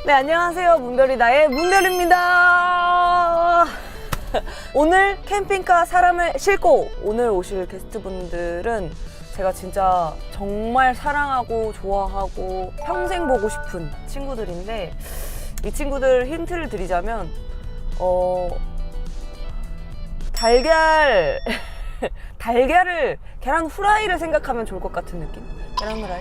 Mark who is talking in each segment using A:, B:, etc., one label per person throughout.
A: 네, 안녕하세요. 문별이다의 문별입니다. 오늘 캠핑카 사람을 싣고 오늘 오실 게스트분들은 제가 진짜 정말 사랑하고 좋아하고 평생 보고 싶은 친구들인데, 이 친구들 힌트를 드리자면 달걀을 계란 후라이를 생각하면 좋을 것 같은 느낌? 계란 후라이?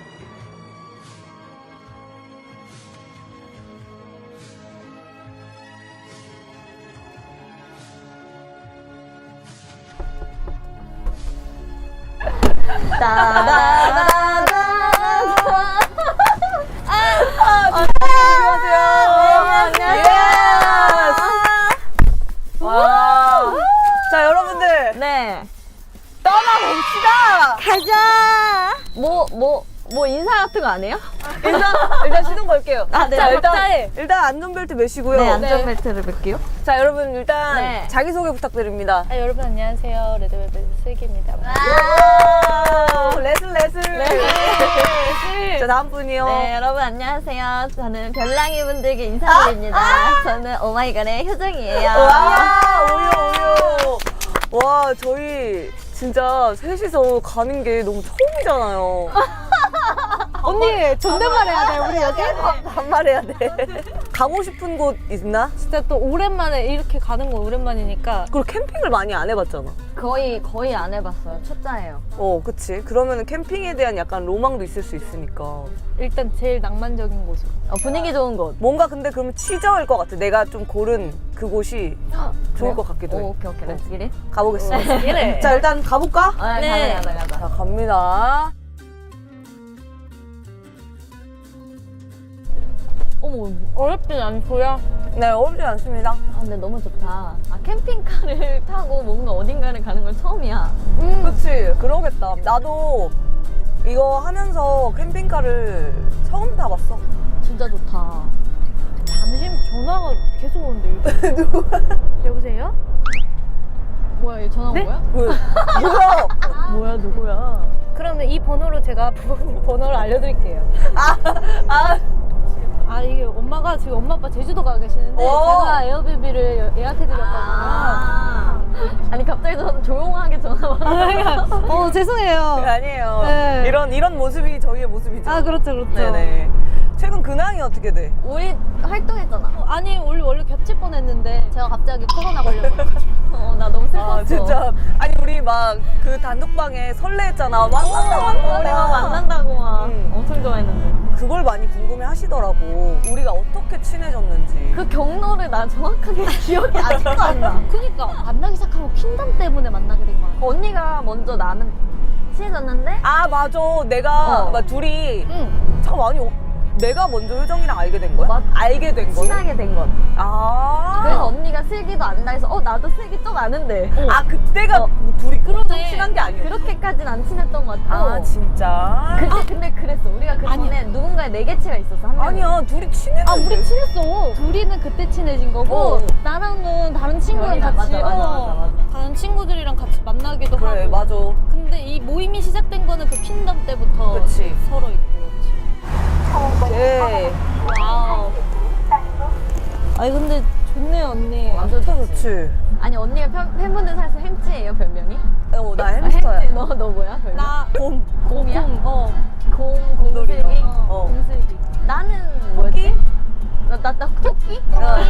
A: 안녕하세요. 와. 자, 여러분들.
B: 네.
A: 떠나봅시다.
B: 가자. 뭐 인사 같은 거 안 해요?
A: 일단 시동 걸게요.
B: 아, 네.
A: 자,
B: 각자의.
A: 일단 안전벨트 매시고요.
B: 네, 안전벨트를 뵐게요.
A: 자, 여러분 일단
B: 네.
A: 자기소개 부탁드립니다.
C: 여러분 안녕하세요. 레드벨벳 슬기입니다.
A: 레슬. 자, 다음 분이요.
B: 네, 여러분 안녕하세요. 저는 별랑이 분들께 인사드립니다. 저는 오마이걸의 효정이에요.
A: 와, 오요. 와, 저희 진짜 셋이서 가는 게 너무 처음이잖아요.
C: 언니 존댓말 해야 돼 우리 여기.
A: 반말해야 돼. 가고 싶은 곳 있나?
C: 진짜 또 오랜만에 이렇게 가는 건 오랜만이니까.
A: 그리고 캠핑을 많이 안 해봤잖아.
B: 거의 안 해봤어요. 초짜예요.
A: 그치. 그러면은 캠핑에 대한 약간 로망도 있을 수 있으니까.
C: 일단 제일 낭만적인 곳으로.
B: 분위기 좋은 곳.
A: 뭔가 근데 그러면 취저일 것 같아. 내가 좀 고른 그곳이 좋을 것 같기도 해.
B: 오케이. 렛츠 기릿.
A: 가보겠습니다.
C: 이래.
A: 자, 일단 가볼까?
C: 네.
B: 가자.
A: 자, 갑니다.
B: 어머.
C: 어렵진 않고요.
A: 네, 어렵지 않습니다.
B: 근데 너무 좋다. 캠핑카를 타고 뭔가 어딘가를 가는 건 처음이야.
A: 그치, 그러겠다. 나도 이거 하면서 캠핑카를 처음 타봤어.
B: 진짜 좋다.
C: 잠시 전화가 계속 오는데 이거. 여보세요?
B: 뭐야, 얘 전화 온
C: 네?
B: 거야?
A: 뭐야?
B: 뭐야, 누구야?
C: 그러면 이 번호로 제가 부모님 번호를 알려드릴게요. 이게 엄마가 지금 엄마 아빠 제주도 가 계시는데 제가 에어비비를 예약해드렸거든요.
B: 아니 갑자기 조용하게 전화 와.
C: 죄송해요.
A: 아니에요.
C: 네.
A: 이런 모습이 저희의 모습이죠.
C: 그렇죠.
A: 네네. 최근 근황이 어떻게 돼?
B: 우리 활동했잖아.
C: 아니 원래 겹칠 뻔했는데 제가 갑자기 코로나 걸려가지고.
B: 나 너무 슬펐어.
A: 진짜. 아니, 우리 막 그 단독방에 설레했잖아. 만난다.
B: 우리가 만난다고 막
A: 응.
B: 엄청 좋아했는데.
A: 그걸 많이 궁금해 하시더라고. 우리가 어떻게 친해졌는지.
B: 그 경로를 나 정확하게 기억이 아직도 안 나.
C: 그니까 만나기 시작한 거 퀸덤 때문에 만나게 된 거야.
B: 언니가 먼저 나는 친해졌는데
A: 맞아. 내가 막 둘이
C: 응.
A: 잠깐만, 내가 먼저 효정이랑 알게 된 거야? 알게 된 거야?
B: 친하게 된 건. 그래서 언니가 슬기도 안다 해서 나도 슬기 좀 아는데.
A: 그때가 둘이 엄청 친한 게 아니야.
B: 그렇게까지는 안 친했던 것 같고.
A: 진짜?
B: 근데 그랬어. 우리가 그 전에 누군가의 내개치가 있었어. 한 명이.
A: 아니야, 둘이 친했는데.
C: 우리 친했어. 둘이는 그때 친해진 거고 나랑은 다른 친구랑
B: 맞아,
C: 같이
B: 맞아.
C: 다른 친구들이랑 같이 만나기도
A: 그래,
C: 하고.
A: 맞아.
C: 근데 이 모임이 시작된 거는 그 퀸덤 때부터
A: 그치.
C: 서로 있고 그렇지.
A: 오케이.
C: 와우. 아니 근데 좋네요 언니.
B: 완전
A: 좋지.
B: 아니 언니가 팬분들 사이에서 햄찌예요 별명이?
A: 나 햄스터야.
B: 햄찌. 너 뭐야 별명?
C: 나
B: 곰이야?
A: 곰돌이야.
B: 곰슬기?
C: 곰슬기.
B: 나는 뭐였지? 나 토끼?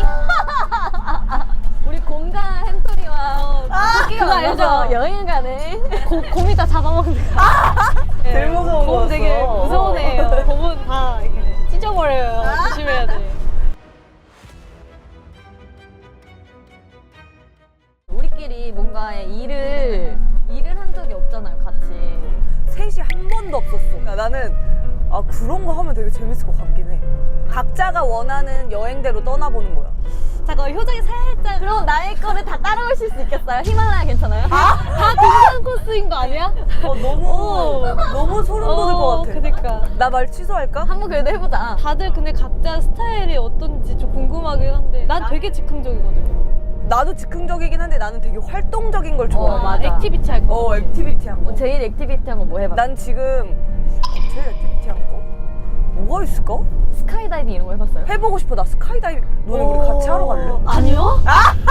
B: 우리 곰과 햄토리와 토끼가
C: 그거
B: 만나서
C: 알죠?
B: 여행을 가네.
C: 곰이 다 잡아먹는 거.
A: 제일 무서운
C: 곰
A: 거였어.
C: 되게 무서운 애예요. 곰은 다 이렇게 찢어버려요. 조심해야 돼.
B: 우리끼리 뭔가 일을 한 적이 없잖아요 같이.
A: 셋이 한 번도 없었어. 그러니까 나는 그런 거 하면 되게 재밌을 것 같긴 해. 각자가 원하는 여행대로 떠나보는 거야.
C: 잠깐 효정이 살짝
B: 그럼 나의 거를 다 따라오실 수 있겠어요? 히말라야 괜찮아요?
C: 다 등산 코스인 거 아니야?
A: 너무 소름 돋을 것 같아.
C: 그니까.
A: 나 말 취소할까?
B: 한번 그래도 해보자.
C: 다들 근데 각자 스타일이 어떤지 좀 궁금하긴 한데 난 되게 즉흥적이거든요.
A: 나도 즉흥적이긴 한데 나는 되게 활동적인 걸 좋아해.
B: 맞아.
C: 액티비티 할 거.
A: 액티비티 한 거.
B: 제일 액티비티한 거 뭐 해봐.
A: 난 지금 제일 액티비티 한 거? 뭐가 있을까?
B: 스카이다이빙 이런 거 해봤어요?
A: 해보고 싶어. 나 스카이다이빙. 너네 우리 같이 하러 갈래?
B: 아니요?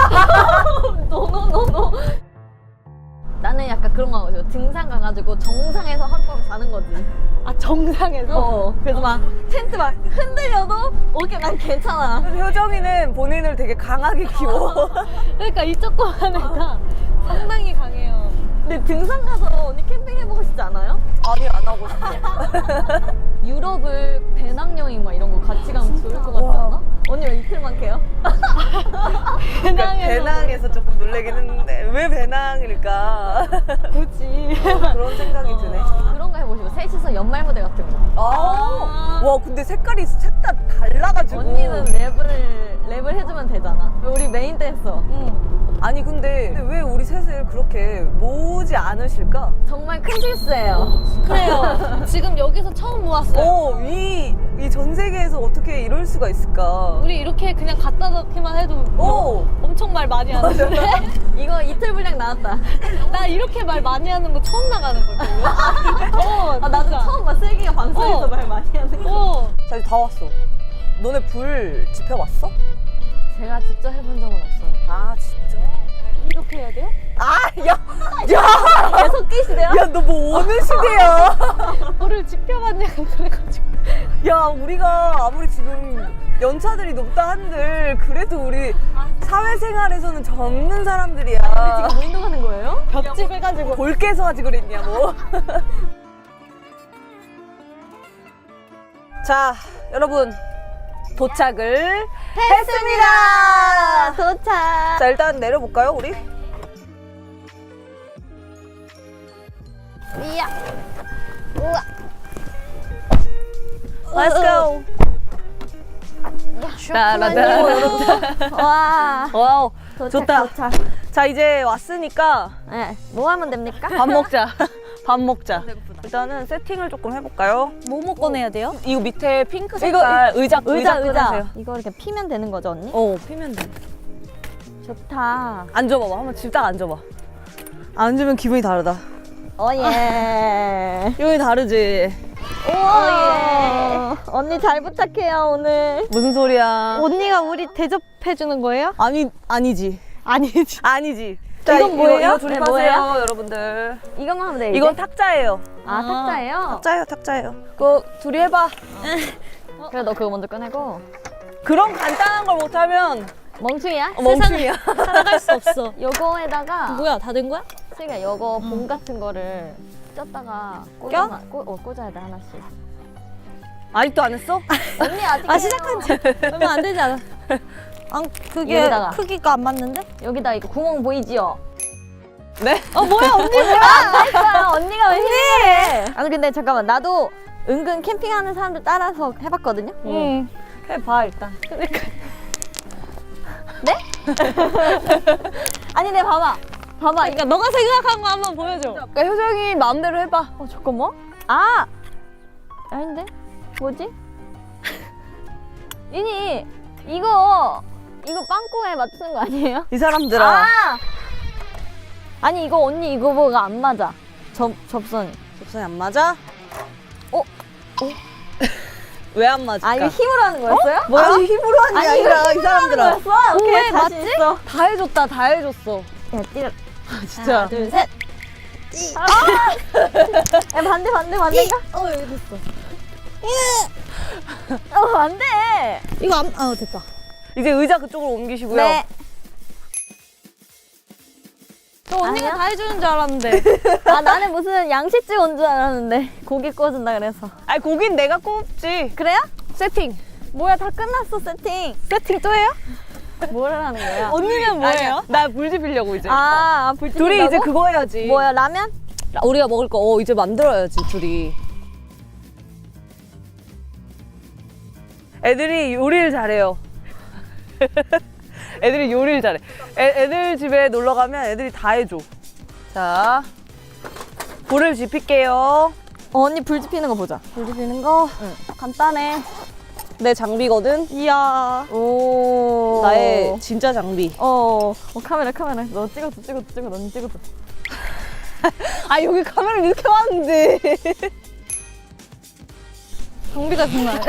B: 노노노노. 나는 약간 그런 거 하고 등산 가가지고 정상에서 하룻밤 자는 거지.
C: 아 정상에서.
B: 그래서 막 텐트 막 흔들려도 오케이 난 괜찮아.
A: 그래서 효정이는 본인을 되게 강하게 키워.
C: 그러니까 이 조그만 애가 상당히 강해요.
B: 근데 등산 가서 언니 캠핑 해보고 싶지 않아요?
A: 아니, 안 하고 싶어.
B: 유럽을 배낭여행 막 이런 거 같이 가면 좋을 것 같지 않아? 언니 왜 이틀만 캐요?
A: 배낭에서 조금 놀래긴 했는데 왜 배낭일까?
C: 굳이.
A: 그런 생각이 드네.
B: 그런 거 해보시고 셋이서 연말 무대 같은 거.
A: 와, 근데 색깔이 색 다 달라가지고.
B: 언니는 랩을 해주면 되잖아. 우리 메인 댄서.
A: 아니 근데 왜 우리 셋을 그렇게 모으지 않으실까?
B: 정말 큰 실수예요.
C: 그래요. 지금 여기서 처음 모았어요.
A: 이 전 세계에서 어떻게 이럴 수가 있을까?
C: 우리 이렇게 그냥 갖다 놓기만 해도 엄청 말 많이 하는데.
B: 이거 이틀 분량 나왔다.
C: 나 이렇게 말 많이 하는 거 처음 나가는 걸걸요?
B: 아, 나도 처음 봐. 슬기가 방송에서 말 많이 하는 거.
A: 자, 이제 다 왔어. 너네 불 지펴봤어?
B: 제가 직접 해본 적은 없어요.
A: 아, 진짜?
C: 이렇게 해야 돼요?
A: 야!
B: 계속 끼시대요?
A: 야, 너 뭐 어느 시대야?
C: 뭐를 지켜봤냐고 그래가지고.
A: 야, 우리가 아무리 지금 연차들이 높다 한들 그래도 우리 사회생활에서는 젊는 사람들이야.
B: 지금 무인도 가는 거예요?
C: 벽집 해가지고.
A: 볼게서 하지 그랬냐, 뭐. 자, 여러분. 도착을 했습니다.
B: 도착.
A: 자, 일단 내려볼까요, 우리?
B: 이야. 우와.
A: Let's go.
B: 와.
A: 와우,
B: 도착,
A: 좋다.
B: 도착.
A: 자, 이제 왔으니까
B: 네. 뭐 하면 됩니까?
A: 밥 먹자. 밥 먹자. 일단은 세팅을 조금 해볼까요?
C: 뭐뭐 꺼내야 돼요?
A: 이거 밑에 핑크 색깔 의자 꺼내세요.
B: 이거 이렇게 피면 되는 거죠, 언니?
A: 피면 돼.
B: 좋다.
A: 앉아봐봐. 한번 딱 앉아봐. 앉으면 기분이 다르다.
B: 예.
A: 기분이 다르지?
B: 우와. 언니 잘 부탁해요, 오늘.
A: 무슨 소리야?
C: 언니가 우리 대접해주는 거예요?
A: 아니지.
C: 아니지.
A: 아니지.
B: 이건 뭐예요?
A: 이거
B: 네,
A: 조립하세요,
B: 뭐예요?
A: 여러분들.
B: 이것만 하면 돼, 이제?
A: 이건 탁자예요.
B: 아, 탁자예요?
A: 탁자예요. 그거 둘이 해봐.
B: 그래, 너 그거 먼저 꺼내고.
A: 그런 간단한 걸 못하면
B: 멍충이야?
A: 멍충이야.
C: 살아갈 수 없어.
B: 요거에다가
C: 뭐야, 다 된 거야?
B: 슬기야, 요거 봉 같은 거를 쪘다가 꽂아야 돼, 하나씩.
A: 아직도 안 했어?
B: 언니 아직
C: 시작한 지 얼마 안 되지 않아? 그게
B: 여기다가.
C: 크기가 안 맞는데?
B: 여기다 이거 구멍 보이지요?
A: 네?
C: 뭐야, 언니.
B: 안 됐어요. 언니가 왜 힘내? 아니 근데 잠깐만, 나도 은근 캠핑하는 사람들 따라서 해봤거든요.
C: 응.
A: 해봐, 일단.
B: 네? 아니, 내 봐봐.
C: 그러니까 너가 생각한 거 한번 보여줘.
A: 그러니까 효정이 마음대로 해봐.
B: 잠깐만. 아! 아닌데? 뭐지? 이거 빵꾸에 맞추는 거 아니에요?
A: 이 사람들아.
B: 아! 아니 이거 언니 이거 뭐가 안 맞아. 접선이.
A: 접선이 안 맞아?
B: 어?
A: 왜 안 맞을까?
B: 아 이거 힘으로 하는 거였어요?
A: 뭐야? 아니, 힘으로 하는 게 아니라 이 사람들아.
B: 오케이,
A: 왜
B: 다시
A: 맞지?
B: 있어.
A: 다 해줬다, 다 해줬어.
B: 야, 뛰어.
A: 진짜.
B: 하나, 둘, 셋. 야, 반대인가?
C: 여기 됐어.
B: 안 돼.
C: 이거 됐다.
A: 이제 의자 그쪽으로 옮기시고요.
B: 네.
C: 너 언니가
B: 아니야?
C: 다 해주는 줄 알았는데.
B: 아, 나는 무슨 양식집 온 줄 알았는데. 고기 구워준다 그래서.
A: 아니, 고긴 내가 꼽지.
B: 그래요?
A: 세팅.
B: 뭐야, 다 끝났어, 세팅.
C: 세팅 또 해요?
B: 뭘 하는 거야?
C: 언니는 뭐예요?
A: 나 불 지피려고 이제.
B: 불
A: 둘이 이제 그거 해야지.
B: 뭐야, 라면?
A: 우리가 먹을 거 이제 만들어야지, 둘이. 애들이 요리를 잘해요. 애들이 요리를 잘해. 애들 집에 놀러 가면 애들이 다 해줘. 자, 불을 지필게요.
B: 언니 불 지피는 거 보자.
A: 불 지피는 거?
B: 응.
A: 간단해. 내 장비거든.
C: 이야.
B: 오.
A: 나의 진짜 장비.
B: 카메라. 너 찍었어. 넌 찍었어.
A: 아, 여기 카메라 이렇게 왔는데.
C: 장비가 정말.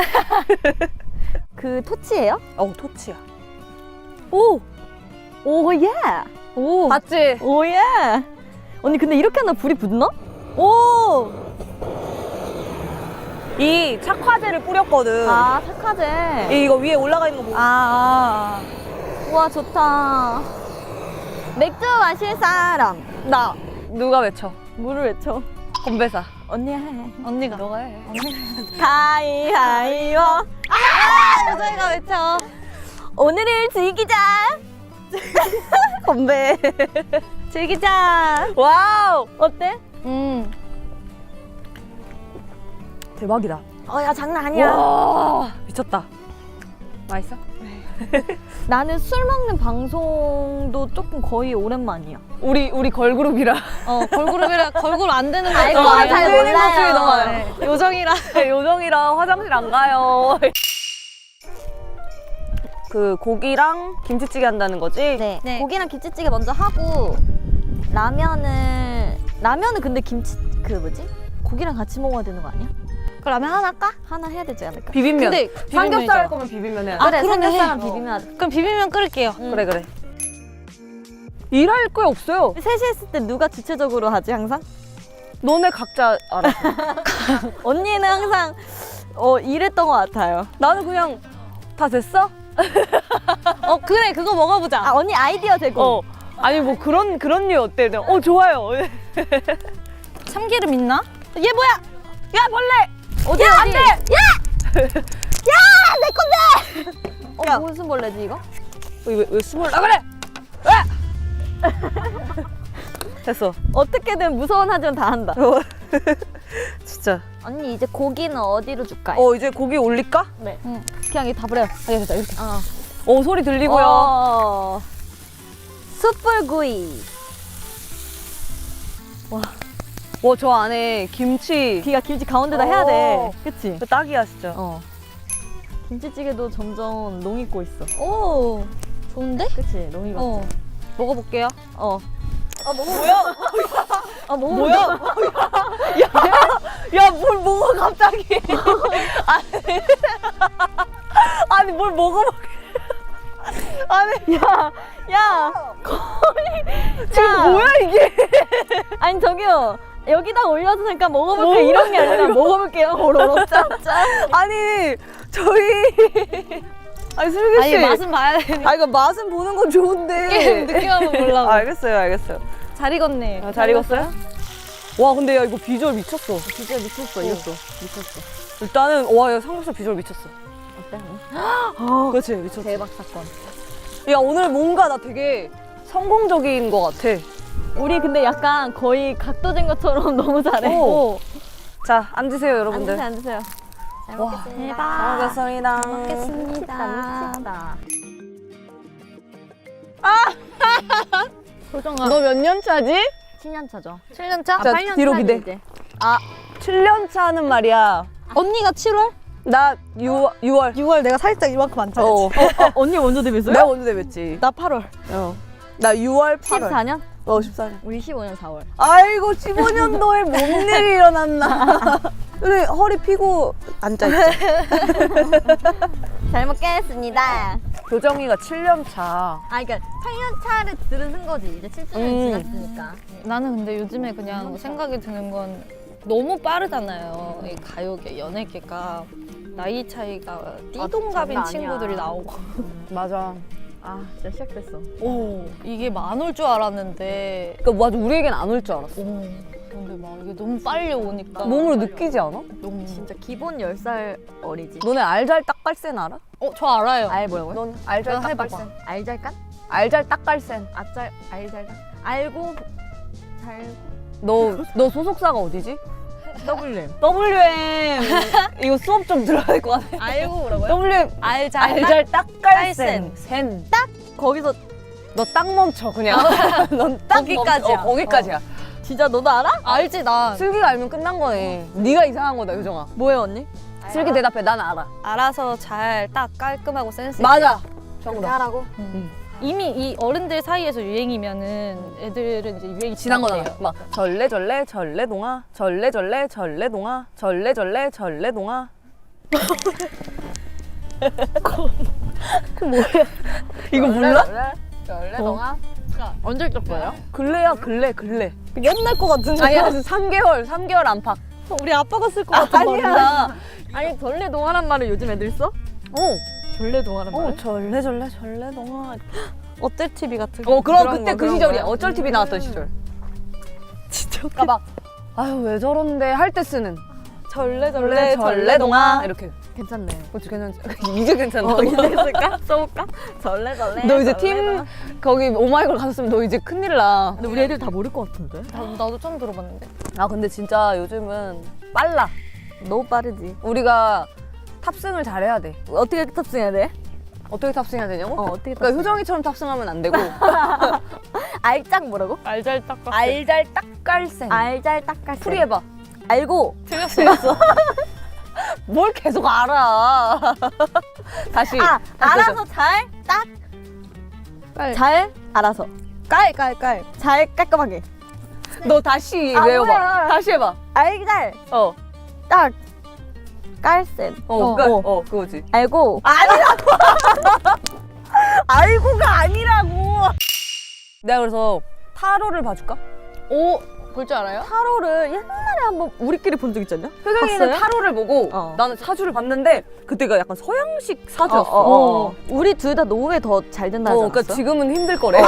B: 그 토치예요?
A: 토치야.
B: 오! 오, 예!
C: 오.
A: 맞지?
B: 오, 예! 언니, 근데 이렇게 하나 불이 붙나? 오!
A: 이 착화제를 뿌렸거든.
B: 아, 착하제.
A: 이거 위에 올라가 있는 거 보고.
B: 우와, 좋다. 맥주 마실 사람.
A: 나 누가 외쳐?
B: 물을 외쳐.
A: 건배사.
B: 언니 해.
C: 언니가.
A: 너가 해.
B: 가위바위보.
C: 여자애가 외쳐.
B: 오늘을 즐기자.
A: 건배.
B: 즐기자.
A: 와우.
B: 어때?
A: 대박이다.
B: 야, 장난 아니야.
A: 와 미쳤다. 맛있어?
B: 나는 술 먹는 방송도 조금 거의 오랜만이야.
A: 우리 걸그룹이라.
C: 걸그룹 안 되는 거.
B: 아이고,
A: 안
B: 잘
A: 되는
B: 몰라요.
A: 모습이 너무 많아요.
C: 요정이라.
A: 요정이랑 화장실 안 가요. 그 고기랑 김치찌개 한다는 거지?
B: 네.
C: 네.
B: 고기랑 김치찌개 먼저 하고 라면은 근데 고기랑 같이 먹어야 되는 거 아니야?
C: 그러면 하나 할까?
B: 하나 해야 되지 않을까?
A: 비빔면.
C: 근데
A: 삼겹살 할 거면 비빔면 해야 돼.
B: 그래,
C: 그러네.
B: 삼겹살랑 비비면 하자.
C: 그럼 비빔면 끓일게요.
A: 그래. 일할 거 없어요.
B: 셋이 했을 때 누가 주체적으로 하지 항상?
A: 너네 각자 알아.
B: 언니는 항상 이랬던 것 같아요.
A: 나는 그냥 다 됐어?
C: 그래, 그거 먹어보자.
B: 언니 아이디어 제공.
A: 아니 뭐 그런 류 어때? 내가, 좋아요.
C: 참기름 있나?
B: 얘 뭐야?
A: 야 벌레.
B: 어디?
A: 안 돼!
B: 내 건데!
A: 야.
B: 무슨 벌레지 이거?
A: 왜 숨을 나 그래? 왜? 됐어.
B: 어떻게든 무서운 하지만 다 한다.
A: 진짜.
B: 언니 이제 고기는 어디로 줄까요?
A: 이제 고기 올릴까?
B: 네.
C: 응.
B: 그냥 이거 다 버려요.
A: 알겠다. 이렇게. 소리 들리고요.
B: 숯불구이.
A: 와, 저 안에 김치.
B: 귀가 김치 가운데다 해야 돼. 그치?
A: 그 딱이야 진짜.
B: 김치찌개도 점점 농익고 있어.
C: 오, 좋은데?
B: 그치? 농익 왔지?
C: 먹어볼게요.
A: 뭐야?
B: 뭐야?
A: 야, 뭘 먹어 갑자기? 아니 뭘 먹어? 아니
B: 야!
A: 지금 뭐야 이게?
B: 아니 저기요. 여기다 올려서 잠깐 먹어볼게요. 이런 게 아니라 먹어볼게요. 오로록 짭짭.
A: 아니 저희 아니 슬기 씨.
C: 아니, 맛은 봐야 돼.
A: 이거 맛은 보는 건 좋은데.
C: 느낌 한번 보려고.
A: 알겠어요.
C: 잘 익었네.
A: 잘 익었어요? 와 근데 야 이거 비주얼 미쳤어.
B: 비주얼 미쳤어. 이것도. 미쳤어.
A: 일단은 와 야 삼겹살 비주얼 미쳤어.
B: 어때?
A: 그렇지 미쳤어.
B: 대박 사건.
A: 야 오늘 뭔가 나 되게 성공적인 것 같아.
B: 우리 근데 약간 거의 각도진 것처럼 너무 잘해.
A: 오. 자 앉으세요 여러분들.
B: 앉으세요. 잘
A: 와,
B: 먹겠습니다.
A: 잘 먹겠습니다.
B: 미쳤다.
C: 소정아.
A: 너 몇 년 차지?
B: 7년 차죠.
C: 7년 차?
A: 자,
B: 8년
A: 뒤로
B: 차지,
A: 기대.
B: 이제.
A: 7년 차는 말이야.
C: 언니가 7월?
A: 나 6월.
C: 6월 내가 살짝 이만큼 안 차지.
B: 언니 먼저 데뷔했어요?
A: 내가 먼저 데뷔했지.
C: 나 8월.
A: 나 6월, 8월.
B: 14년?
A: 14년.
B: 우리 15년 4월.
A: 아이고 15년도에 뭔 일이 일어났나. 우리 허리 피고 앉아있지.
B: 잘 먹겠습니다.
A: 교정이가 7년 차.
B: 그러니까 8년 차를 들은 거지. 이제 7주년 지났으니까.
C: 나는 근데 요즘에 그냥 생각이 드는 건 너무 빠르잖아요. 이 가요계, 연예계가 나이 차이가 띠동갑인
B: 장난 아니야.
C: 친구들이 나오고.
A: 맞아.
B: 진짜 시작됐어.
C: 오, 이게 많 올 줄 알았는데.
A: 그러니까 맞아 우리에겐 안 올 줄 알았어.
C: 오, 근데 막 이게 너무 빨리 오니까.
A: 몸으로 느끼지 않아?
C: 너무.
B: 진짜 기본 10살 어리지.
A: 너네 알잘 딱갈센 알아?
C: 저 알아요.
B: 알 뭐라고요?
A: 넌 알잘
C: 너 해봐봐.
A: 딱갈센.
B: 알잘깐?
A: 알잘 딱갈센.
B: 알잘깐? 알고 잘
A: 너 소속사가 어디지?
B: WM.
A: WM. 이거 수업 좀 들어야 될 것 같아.
B: 알고 뭐라고요?
A: WM. 알잘 딱갈센. 센.
B: 거기서
A: 너 딱 멈춰 그냥. 넌 딱
C: 거기까지야.
A: 거기까지야.
B: 진짜 너도 알아?
C: 알지, 나.
A: 슬기가 알면 끝난 거네. 네가 이상한 거다 요정아.
B: 뭐예요 언니?
A: 슬기 대답해. 난 알아.
C: 알아서 잘 딱 깔끔하고 센스 있게.
A: 맞아. 정답.
B: 하라고?
C: 이미 이 어른들 사이에서 유행이면은 애들은 이제 유행이
A: 지난 거잖아.
C: 지났대요.
A: 막 절레절레 절레동아 절레절레 절레동아 절레절레 절레동아 이거 몰라?
B: 연애 동안? 언제 있을 거예요?
A: 근래야 근래.
C: 옛날 거 같은데.
A: 아니야 3개월 안팎.
C: 우리 아빠가 쓸 것 같은 말인데.
A: 아니야.
B: 아니 전래 동화란 말을 요즘 애들 써? 전래 동화란 말?
A: 전래 동화.
C: 어때 TV 같은 거.
A: 그럼
B: 그런
A: 그때
B: 거,
A: 그
B: 그런
A: 시절이야.
B: 거야?
A: 어쩔 TV 나왔던 시절.
C: 진짜
A: 그러니까 막 아유 왜 저런데 할 때 쓰는
C: 전래
A: 동화 이렇게.
B: 괜찮네.
A: 그렇지 괜찮지. 이제 괜찮다.
B: 이제 쓸까? 써볼까? 전래.
A: 너 이제
B: 전래
A: 팀
B: 동화.
A: 거기 오마이걸 갔었으면 너 이제 큰일 나.
B: 근데 우리 애들 다 모를 것 같은데?
C: 나도 처음 들어봤는데.
A: 아 근데 진짜 요즘은 빨라.
B: 너무 빠르지.
A: 우리가 탑승을 잘해야 돼.
B: 어떻게 탑승해야 돼?
A: 어떻게 탑승해야 되냐고?
B: 어떻게
A: 그러니까 효정이처럼 탑승하면 안 되고
B: 알짝 뭐라고?
C: 알잘딱
A: 알잘딱깔생.
B: 알잘딱깔.
A: 풀이 해봐.
B: 알고.
C: 틀렸어.
A: 뭘 계속 알아. 다시.
B: 알아서 잘 알아서.
C: 깔.
B: 잘 깔끔하게.
A: 너 다시
B: 아,
A: 외워봐.
B: 뭐야.
A: 다시 해봐.
B: 알잘
A: 어.
B: 딱 깔센.
A: 그거지.
B: 알고.
A: 알고가 아니라고. 내가 그래서 타로를 봐줄까?
C: 오, 볼 줄 알아요?
B: 타로를 옛날에 한번 우리끼리 본 적 있지 않냐?
A: 효정이는
B: 봤어요?
A: 타로를 보고 나는 사주를 봤는데 그때가 약간 서양식 사주였어.
B: 우리 둘 다 노후에 더 잘 된다 하지 않았어?
A: 그러니까 지금은 힘들 거래.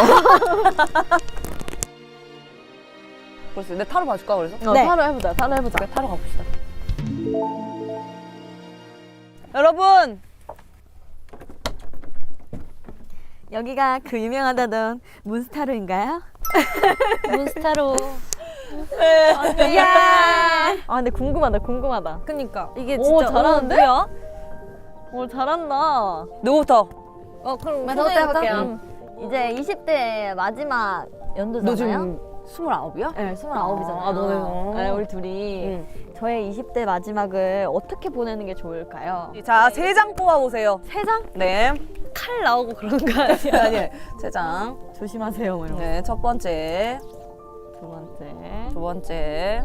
A: 그래서 내 타로 봐줄까 그래서?
B: 네. 타로 해보자.
A: 그래, 타로 가봅시다. 여러분
B: 여기가 그 유명하다던 문스타로인가요?
C: 몬스타로.
B: 이야. 아 근데 궁금하다.
C: 그니까.
B: 이게
C: 오,
B: 진짜
C: 잘하는데?
B: 뭐야? 오 잘한다.
A: 누구부터?
C: 그럼
B: 저부터 해볼게요.
C: 응.
B: 이제 20대 마지막 연도잖아요.
A: 너 지금 29이야?
B: 네, 29이잖아요.
A: 아, 너네.
B: 네, 우리 둘이 저의 20대 마지막을 어떻게 보내는 게 좋을까요?
A: 자, 3장 뽑아보세요.
B: 3장?
A: 네.
C: 칼 나오고 그런 거 아니야?
A: 아니, 3장.
B: 조심하세요, 뭐 이런 거.
A: 네, 첫 번째.
B: 두 번째.
A: 두 번째.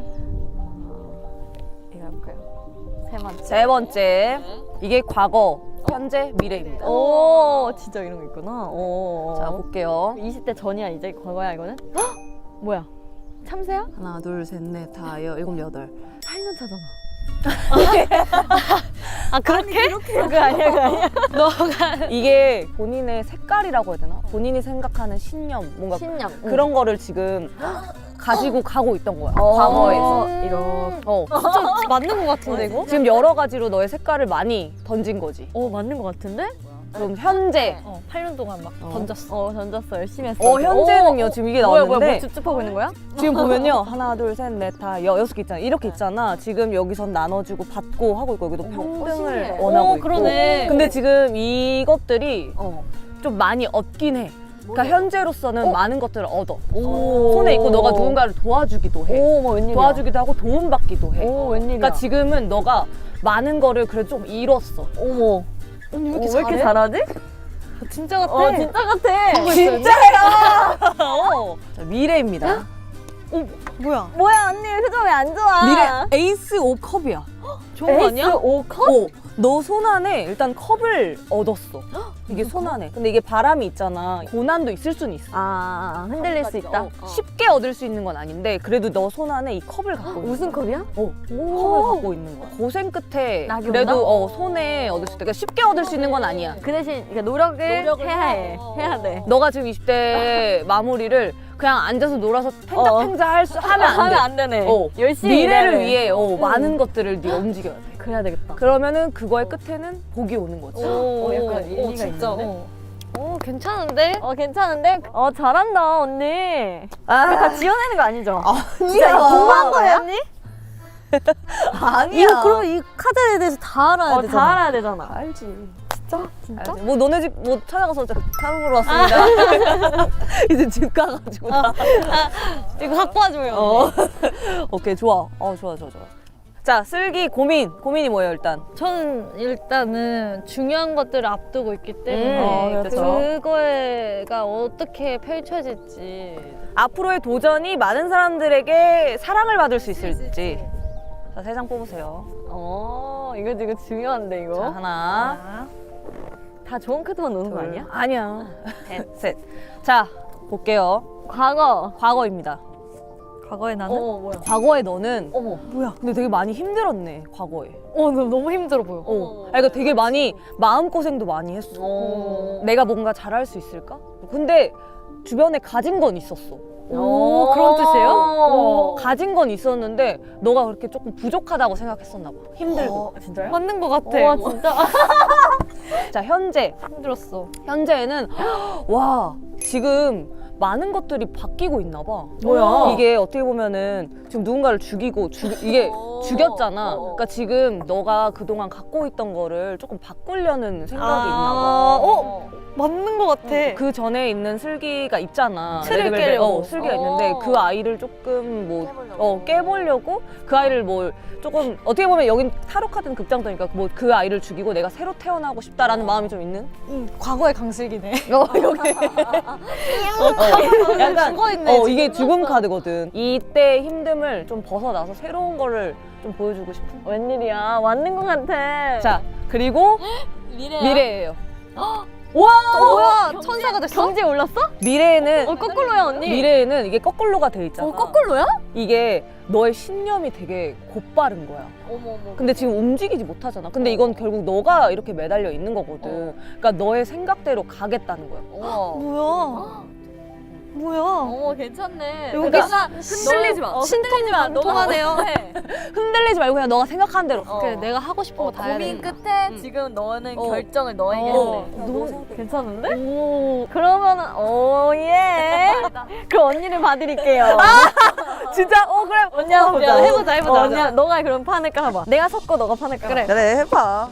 B: 이거 해볼까요? 세 번째.
A: 세 번째. 이게 과거, 현재, 미래입니다.
B: 오, 진짜 이런 거 있구나. 오.
A: 자, 볼게요.
B: 20대 전이야, 이제 과거야, 이거는? 헉! 뭐야? 참새야?
A: 하나, 둘, 셋, 넷, 다, 일곱, 여덟.
B: 8년 차잖아.
C: 아, 그렇게?
B: 그거 아니야.
A: 이게 본인의 색깔이라고 해야 되나? 본인이 생각하는 신념, 뭔가
B: 신념.
A: 그런 거를 지금 가지고 가고 있던 거야.
B: 어.
A: 과거에서.
B: 이런.
C: 진짜 맞는 거 같은데, 이거?
A: 지금 여러 가지로 너의 색깔을 많이 던진 거지.
B: 맞는 거 같은데?
A: 그럼 현재.
C: 8년 동안 막 던졌어.
B: 던졌어. 열심히 했어.
A: 현재는요, 지금 이게
B: 뭐야,
A: 나왔는데.
B: 뭐 찝찝하고 있는 거야?
A: 지금 보면요. 하나, 둘, 셋, 넷, 다, 여섯 개 있잖아. 이렇게 있잖아. 지금 여기선 나눠주고 받고 하고 있고, 여기도 평등을
B: 신기해.
A: 원하고
C: 오,
A: 있고.
C: 그러네.
A: 근데 지금 이것들이 좀 많이 얻긴 해. 그러니까 현재로서는 많은 것들을 얻어. 손에 있고 너가 누군가를 도와주기도 해.
B: 오, 뭐 웬일이야.
A: 도와주기도 하고 도움받기도 해.
B: 오, 웬일이야.
A: 그러니까 지금은 너가 많은 거를 그래도 좀 잃었어.
B: 어머.
C: 언니 왜
B: 왜
C: 이렇게
B: 이렇게
C: 잘해?
B: 잘하지?
C: 진짜 같아.
B: 진짜 같아.
A: 진짜야! 자, 미래입니다.
C: 뭐야?
B: 뭐야, 언니 표정 왜 안 좋아?
A: 미래 에이스 오 컵이야.
C: 좋은 거 아니야?
B: 오 컵?
A: 너 손 안에 일단 컵을 얻었어. 이게 손 안에. 근데 이게 바람이 있잖아. 고난도 있을 수는 있어.
B: 흔들릴 수 있다.
A: 쉽게 얻을 수 있는 건 아닌데 그래도 너 손 안에 이 컵을 갖고 있는
B: 무슨
A: 거야.
B: 컵이야?
A: 컵을 갖고 있는 거야. 고생 끝에
B: 낙이
A: 그래도 손에 얻을 수 있다. 그러니까 쉽게 얻을 수 있는 건 아니야.
B: 그 대신 그러니까 노력을 해야 해. 해야 돼.
A: 너가 지금 20대 마무리를 그냥 앉아서 놀아서 팽자팽자 하면 안 돼.
B: 되네.
A: 미래를
B: 열심히 일해야 돼.
A: 위해 많은 것들을 네가 움직여야 돼.
B: 그래야 되겠다.
A: 그러면은 그거의 끝에는 복이 오는 거지.
B: 약간 일리가
C: 진짜.
B: 있는데?
C: 괜찮은데?
B: 괜찮은데? 잘한다, 언니.
A: 아,
B: 다 지어내는 거 아니죠?
A: 진짜
B: 공부한 거예요, 언니?
A: 아니야.
B: 그럼 이 카드에 대해서 다 알아야 되잖아. 다 알아야 되잖아.
A: 알지.
B: 진짜?
A: 알지. 뭐 너네 집 뭐 찾아가서 타로 보러 왔습니다. 이제 집 가가지고.
C: 이거 갖고 와줘요.
A: 오케이 좋아. 좋아. 자 슬기 고민이 뭐예요 일단?
C: 저는 일단은 중요한 것들을 앞두고 있기 때문에
A: 그렇죠.
C: 그거가 어떻게 펼쳐질지.
A: 앞으로의 도전이 많은 사람들에게 사랑을 받을 수 있을지. 자, 3장 뽑으세요.
B: 이거 중요한데 이거.
A: 자, 하나,
B: 다 좋은 카드만 노는 거 아니야?
A: 아니야. 셋. 자, 볼게요.
B: 과거.
A: 과거입니다.
C: 과거에 나는?
B: 뭐야?
A: 과거에 너는
B: 어머.
A: 뭐야? 근데 되게 많이 힘들었네. 과거에.
C: 너무 힘들어 보여.
A: 그러니까 되게 많이 마음고생도 많이 했어. 내가 뭔가 잘할 수 있을까? 근데 주변에 가진 건 있었어.
C: 오, 그런 뜻이에요?
A: 가진 건 있었는데 너가 그렇게 조금 부족하다고 생각했었나 봐. 힘들고.
B: 진짜요?
C: 맞는 것 같아.
B: 와 진짜.
A: 자,
C: 힘들었어.
A: 현재에는 와, 지금 많은 것들이 바뀌고 있나 봐.
B: 뭐야?
A: 이게 어떻게 보면은 지금 누군가를 죽이고 이게 죽였잖아. 그러니까 지금 너가 그동안 갖고 있던 거를 조금 바꾸려는 생각이 있나 봐.
C: 맞는 것 같아.
A: 그 전에 있는 슬기가 있잖아.
C: 틀을
A: 레드벨벳.
C: 깨려고.
A: 슬기가 있는데 그 아이를 조금 뭐 깨보려고 그 아이를 뭐 조금 어떻게 보면 여긴 타로 카드는 극장도니까 뭐 그 아이를 죽이고 내가 새로 태어나고 싶다라는 마음이 좀 있는.
C: 과거의 강슬기네.
A: 여기. 약간
C: 죽어있네, 지금.
A: 이게 죽음 카드거든. 이때 힘듦을 좀 벗어나서 새로운 거를 좀 보여주고 싶은.
B: 웬일이야? 맞는 것 같아.
A: 자, 그리고 미래예요. 와!
C: 뭐야? 천사가 됐어?
B: 경제 올랐어?
A: 미래에는
B: 거꾸로야 언니.
A: 미래에는 이게 거꾸로가 돼 있잖아.
B: 거꾸로야?
A: 이게 너의 신념이 되게 곧바른 거야.
B: 어머.
A: 근데 지금 움직이지 못하잖아. 근데 이건 결국 너가 이렇게 매달려 있는 거거든. 그러니까 너의 생각대로 가겠다는 거야.
C: 뭐야? 뭐야?
B: 어머 괜찮네.
C: 여기가
B: 흔들리지 마. 흔들리지 마.
C: 통하네요.
A: 흔들리지 말고 그냥 너가 생각한 대로.
C: 그래, 내가 하고 싶은 거 다 해야
B: 고민
C: 돼.
B: 끝에 지금 너는 결정을 너에게
A: 어.
B: 했네. 너무 괜찮은데? 오. 그러면은 예. 그럼 언니를 봐드릴게요.
A: 진짜? 그래.
B: 언니 한번 보자.
C: 해보자.
B: 언니 너가 그럼 판을 깔아봐. 내가 섞어 너가 판을 깔아.
C: 그래.
A: 그래, 해봐.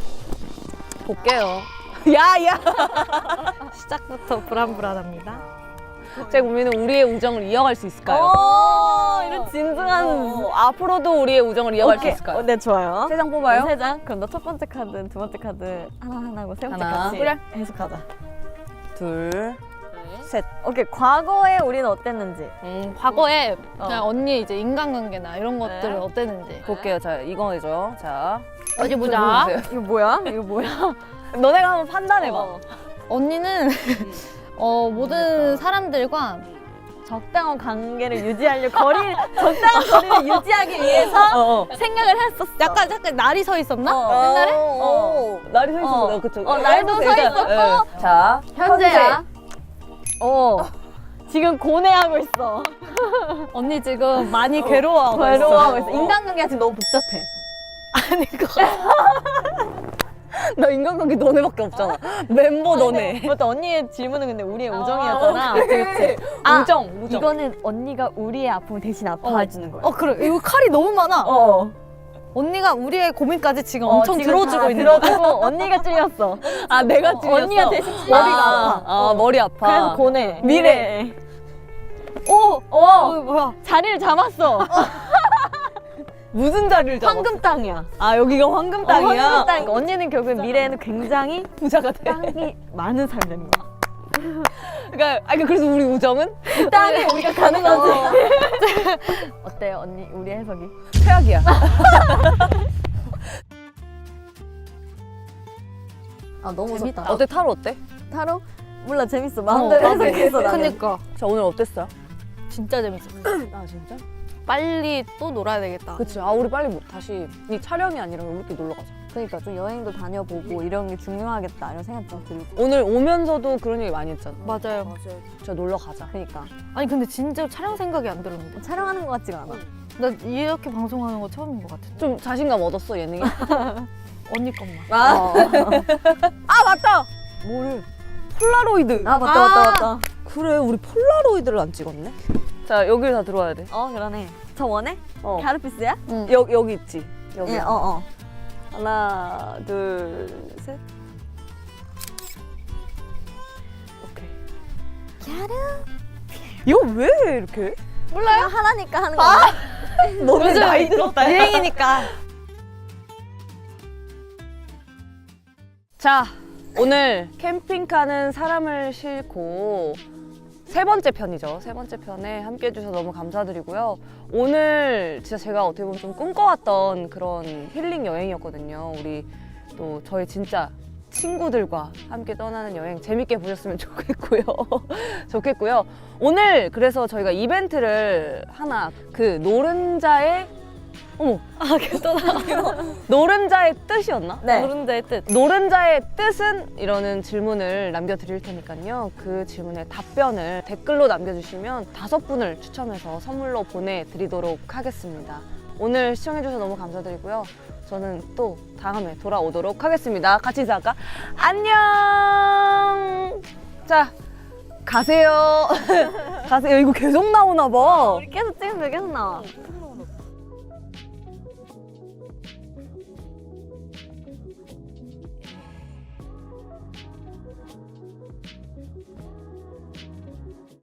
A: 볼게요. 야!
C: 시작부터 불안불안합니다.
A: 제 고민은 우리의 우정을 이어갈 수 있을까요?
B: 이런 진중한.
A: 앞으로도 우리의 우정을 이어갈 수 있을까요?
B: 네 좋아요.
A: 3장 뽑아요?
B: 3장. 그럼 너 첫 번째 카드, 두 번째 카드 하나 하고 세 번째
A: 하나.
B: 같이
A: 그래.
B: 해석하자.
A: 둘, 셋.
B: 오케이 과거에 우리는 어땠는지.
C: 과거에 그냥 언니 이제 인간관계나 이런 것들은
B: 네.
C: 어땠는지.
A: 볼게요. 자, 이거죠. 자.
C: 어디 보자.
A: 보여주세요.
B: 이거 뭐야? 이거 뭐야?
A: 너네가 한번 판단해봐.
C: 언니는 모든 사람들과
B: 적당한 관계를 유지하려 적당한 거리를 유지하기 위해서 생각을 했었어.
C: 약간 날이 서 있었나?
B: 옛날에?
A: 날이 서 있었어. 그쵸.
B: 날도 서 있었고.
A: 자,
B: 현재야. 지금 고뇌하고 있어.
C: 언니 지금 많이 괴로워하고
B: 괴로워하고
C: 있어.
B: 있어. 인간관계가 지금 너무 복잡해.
C: 아니 그거
A: 나 인간관계 너네밖에 없잖아. 멤버 너네.
B: 맞다. 언니의 질문은 근데 우리의 우정이었잖아.
A: 그치. 우정.
B: 이거는 언니가 우리의 아픔을 대신 아파해주는 거야.
C: 그래. 이거 칼이 너무 많아. 언니가 우리의 고민까지 지금 엄청
B: 지금
C: 들어주고
B: 다
C: 있는 거야.
B: 들어주고 언니가 찔렸어.
A: 아, 내가 찔렸어.
B: 언니가 대신 머리가 아파.
A: 머리 아파.
B: 그래서 고뇌.
A: 미래.
C: 뭐야?
B: 자리를 잡았어.
A: 무슨 자리를 잡아?
B: 황금 땅이야.
A: 아, 여기가 황금 땅이야?
B: 황금 땅. 언니는 결국 미래에는 굉장히
A: 부자가 돼.
B: 땅이 많은 삶이 되는 거야.
A: 그러니까 그래서 우리 우정은
B: 그 땅에 우리가 가는 거지. 어때요, 언니? 우리 해석이?
A: 최악이야.
B: 너무
C: 재밌다.
A: 어때? 타로 어때?
B: 타로? 몰라, 재밌어. 마음대로 해석해서 나는.
C: 그니까
A: 자, 오늘 어땠어요?
C: 진짜 재밌어.
A: 아, 진짜?
C: 빨리 또 놀아야 되겠다.
A: 그치. 우리 빨리 다시 이 촬영이 아니라 우리끼리 놀러 가자.
B: 그러니까 좀 여행도 다녀보고 이런 게 중요하겠다 이런 생각 좀 들고.
A: 오늘 오면서도 그런 얘기 많이 했잖아.
C: 맞아요.
A: 진짜 놀러 가자.
B: 그러니까
C: 아니 근데 진짜 촬영 생각이 안 들었는데.
B: 촬영하는 것 같지가 않아.
C: 나 이렇게 방송하는 거 처음인 것 같은데.
A: 좀 자신감 얻었어, 예능에?
C: 언니 것만.
A: 맞다! 뭐를? 폴라로이드.
B: 맞다.
A: 그래, 우리 폴라로이드를 안 찍었네? 자, 여기를 다 들어와야 돼.
B: 그러네. 저 원해?
A: 어.
B: 가르피스야?
A: 여기 있지? 여기.
B: 예,
A: 하나, 둘, 셋. 오케이.
B: 갸르.
A: 이거 왜 이렇게?
B: 몰라요? 하나니까 하는 거야.
A: 너네 나이 들었다.
C: 유행이니까.
A: 자, 오늘 캠핑카는 사람을 싣고 세 번째 편이죠. 세 번째 편에 함께 해주셔서 너무 감사드리고요. 오늘 진짜 제가 어떻게 보면 좀 꿈꿔왔던 그런 힐링 여행이었거든요. 우리 또 저희 진짜 친구들과 함께 떠나는 여행 재밌게 보셨으면 좋겠고요. 좋겠고요. 오늘 그래서 저희가 이벤트를 하나 그 노른자의 노른자의 뜻이었나?
B: 네.
C: 노른자의 뜻.
A: 노른자의 뜻은? 이러는 질문을 남겨드릴 테니까요. 그 질문에 답변을 댓글로 남겨주시면 5분을 추첨해서 선물로 보내드리도록 하겠습니다. 오늘 시청해주셔서 너무 감사드리고요. 저는 또 다음에 돌아오도록 하겠습니다. 같이 인사할까? 안녕! 자, 가세요. 가세요. 이거 계속 나오나 봐.
B: 계속 찍으면 계속 나와.